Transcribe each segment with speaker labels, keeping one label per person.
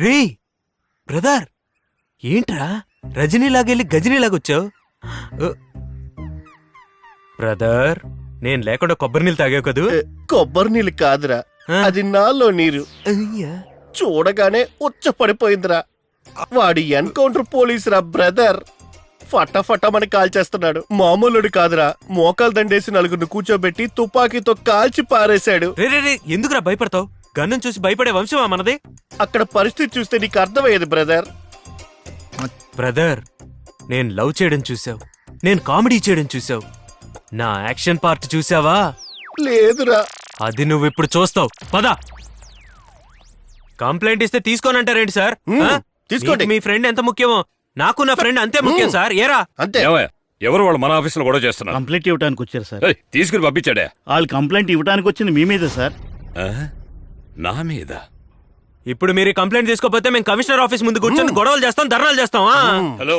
Speaker 1: రే brother, ఏంట్రా రజనీలాగెళ్ళి గజనీలాగొచ్చావు? Brother, నేను లేకుండా కొబ్బరి నీళ్ళు తాగావు కదూ?
Speaker 2: కొబ్బరి నీళ్ళు కాదురా, అది నాలో నీరు. చూడగానే ఉచ్చ పడిపోయిందిరా. వాడి ఎన్కౌంటర్ పోలీసురా బ్రదర్. ఫటాఫటమని కాల్చేస్తున్నాడు. మామూలుడు కాదురా, మోకాలు దండేసి నలుగురిని కూర్చోబెట్టి తుపాకీతో కాల్చి పారేశాడు.
Speaker 1: రే ఎందుకురా భయపడతావు? గన్నం చూసి భయపడే వంశమా మనది?
Speaker 2: అక్కడ పరిస్థితి చూస్తే నీకు అర్థమయ్యేది బ్రదర్.
Speaker 1: బ్రదర్, నేను లవ్ చేయడం చూసావు, నేను కామెడీ చేయడం చూసావు, నా యాక్షన్ పార్ట్ చూసావా?
Speaker 2: లేదురా.
Speaker 1: అది నువ్వు ఇప్పుడు చూస్తావు. పద. కంప్లైంట్ ఇస్తే తీసుకోనంటారేంటి సార్?
Speaker 2: తీసుకోండి.
Speaker 1: మీ ఫ్రెండ్ ఎంత ముఖ్యమో నాకు నా ఫ్రెండ్ అంతే ముఖ్యం సార్. ఏరా
Speaker 2: అంతే.
Speaker 3: ఎవరు వాళ్ళు మన ఆఫీసులో గొడవ చేస్తున్నారు?
Speaker 4: కంప్లైంట్ ఇవ్వడానికి వచ్చారు సార్.
Speaker 3: తీసుకుని పంపించాడే.
Speaker 4: వాళ్ళు కంప్లైంట్ ఇవ్వడానికి వచ్చింది మీ మీద సార్.
Speaker 3: నా మీద?
Speaker 1: ఇప్పుడు మీరు కంప్లైంట్ తీసుకోకపోతే మేము కమిషనర్ ఆఫీస్ ముందు కూర్చొని గొడవలు చేస్తాం, ధర్నాలు చేస్తాం.
Speaker 3: హలో.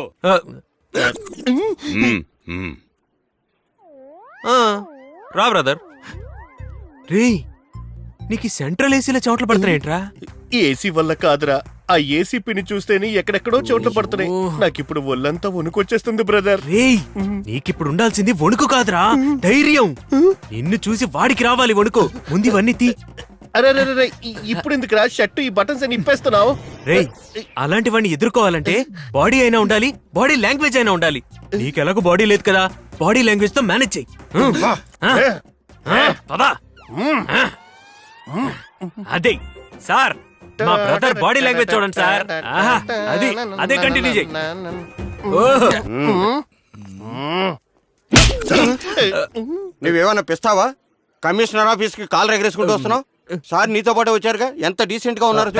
Speaker 1: రా బ్రదర్. రే, నీకు సెంట్రల్ ఏసీలో చోట్ల పడుతున్నాయేంట్రా?
Speaker 2: ఏసీ వల్ల కాదురా, ఆ ఏసీ పిని చూస్తేనే ఎక్కడెక్కడో చోట్ల పడుతున్నాయి. నాకిప్పుడు ఒళ్ళంతా వణుకొచ్చేస్తుంది బ్రదర్.
Speaker 1: రేయ్, నీకిప్పుడు ఉండాల్సింది వణుకు కాదురా, ధైర్యం. నిన్ను చూసి వాడికి రావాలి వణుకు. ముందు ఇవన్నీ తీ.
Speaker 2: అరే ఇప్పుడు ఎందుకురా షర్టు ఈ బటన్స్ అని ఇప్పేస్తున్నావు?
Speaker 1: రేయ్, అలాంటివన్నీ ఎదుర్కోవాలంటే బాడీ అయినా ఉండాలి, బాడీ లాంగ్వేజ్ అయినా ఉండాలి. నీకెలాగో బాడీ లేదు కదా, బాడీ లాంగ్వేజ్ తో మేనేజ్ చెయ్యి. అదే సార్, మా బ్రదర్ బాడీ లాంగ్వేజ్ చూడండి సార్. అది అదే కంటిన్యూ చెయ్యి.
Speaker 5: నువ్వేమన్నా పిస్తావా? కమిషనర్ ఆఫీస్ కి కాల్ ఎగరేసుకుంటూ వస్తున్నావు. సార్ నీతో పాటు వచ్చారుగా, ఎంత డీసెంట్ గా ఉన్నారు.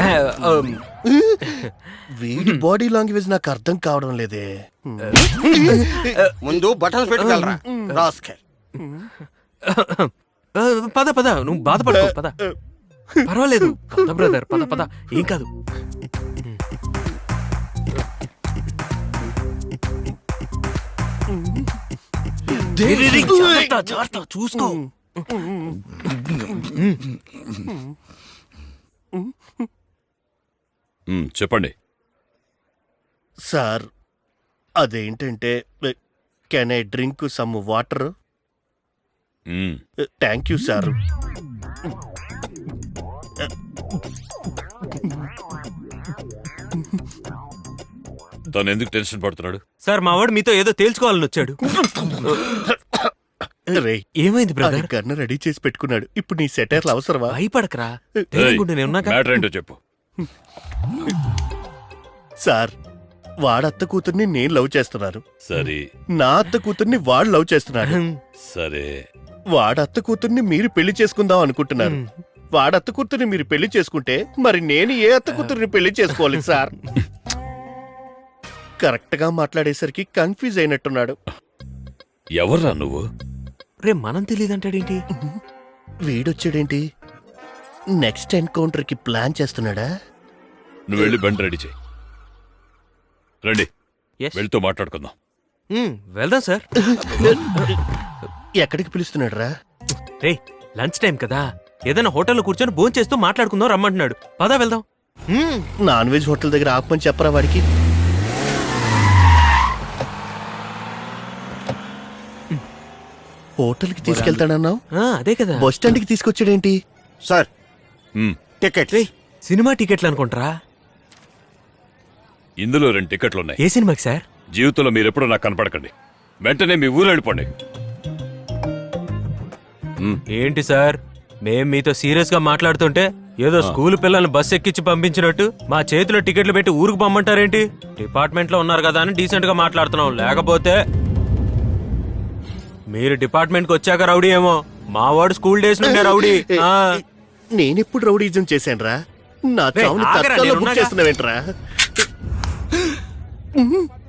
Speaker 2: వీడి బాడీ లాంగ్వేజ్ నాకు అర్థం కావడం లేదే.
Speaker 5: ముందు బటన్స్ పెట్టుకెళ్ళరా రాస్కెల్.
Speaker 1: పద పద, నువ్వు బాధపడకు. పద, పర్వాలేదు. పద బ్రదర్, పద పద, ఏం కాదు. జాగ్రత్త, చూసుకో.
Speaker 3: చెప్పండి
Speaker 2: సార్. అదేంటంటే, can I drink some water? Thank you sir.
Speaker 3: తను ఎందుకు టెన్షన్ పడుతున్నాడు?
Speaker 1: సార్, మా వాడు మీతో ఏదో తేల్చుకోవాలని వచ్చాడు. ఏమైంది బ్రదర్?
Speaker 2: గన్ను రెడీ చేసి పెట్టుకున్నాడు. ఇప్పుడు నీ సెటైర్లు అవసరమా?
Speaker 1: భయపడకరా,
Speaker 3: మ్యాటర్ చెప్పు.
Speaker 2: సార్, వాడత్త కూతుర్ని నేను లవ్ చేస్తున్నాను.
Speaker 3: సరే.
Speaker 2: నా అత్త కూతుర్ని వాడు లవ్ చేస్తున్నాడు.
Speaker 3: సరే.
Speaker 2: వాడత్త కూతుర్ని మీరు పెళ్లి చేసుకుందాం అనుకుంటున్నారు. వాడత్త కూతుర్ని మీరు పెళ్లి చేసుకుంటే మరి నేను ఏ అత్త కూతుర్ని పెళ్లి చేసుకోవాలి సార్? కరెక్ట్ గా మాట్లాడేసరికి కన్ఫ్యూజ్ అయినట్టున్నాడు.
Speaker 3: ఎవర్రా నువ్వు?
Speaker 1: రే, మనం తెలియదంటాడేంటి?
Speaker 2: వీడొచ్చాడేంటి? నెక్స్ట్ ఎన్కౌంటర్ కి ప్లాన్ చేస్తున్నాడా?
Speaker 3: నువ్వు వెళ్ళి బండి రెడీ చేయి. రండి, వెళ్తూ మాట్లాడుకుందాం.
Speaker 1: వెళ్దాం సార్.
Speaker 2: ఎక్కడికి పిలుస్తున్నాడు రా?
Speaker 1: రే, లంచ్ టైం కదా, ఏదైనా హోటల్లో కూర్చొని భోజనం చేస్తూ మాట్లాడుకుందాం రమ్మంటున్నాడు. పదా వెళ్దాం.
Speaker 2: నాన్ వెజ్ హోటల్ దగ్గర ఆపమని చెప్పరా వాడికి? హోటల్ కి తీసుకెళ్తాడన్నావు,
Speaker 1: అదే కదా.
Speaker 2: బస్ స్టాండ్ కి తీసుకొచ్చాడేంటి?
Speaker 5: Sir, ticket.
Speaker 1: సినిమా టికెట్లు అనుకుంటారా?
Speaker 3: ఇందులో 2 టికెట్లున్నాయి.
Speaker 1: ఏ సినిమాకి సార్?
Speaker 3: జీవితంలో మీరెప్పుడు నాకు కనపడకండి. వెంటనే మీ ఊరు వెళ్ళిపోండి.
Speaker 1: ఏంటి సార్, మేం మీతో సీరియస్ గా మాట్లాడుతుంటే ఏదో స్కూల్ పిల్లల్ని బస్ ఎక్కించి పంపించినట్టు మా చేతిలో టికెట్లు పెట్టి ఊరికి పంపంటారేంటి? డిపార్ట్మెంట్ లో ఉన్నారు కదా అని డీసెంట్ గా మాట్లాడుతున్నాం. లేకపోతే మీరు డిపార్ట్మెంట్ కి వచ్చాక రౌడీ ఏమో, మా వాడు స్కూల్ డేస్ నుండే రౌడీ.
Speaker 2: నేనెప్పుడు రౌడీజం చేశాను రా? నా చావుని తత్కాల్లో బుక్ చేస్తున్నావేంట్రా?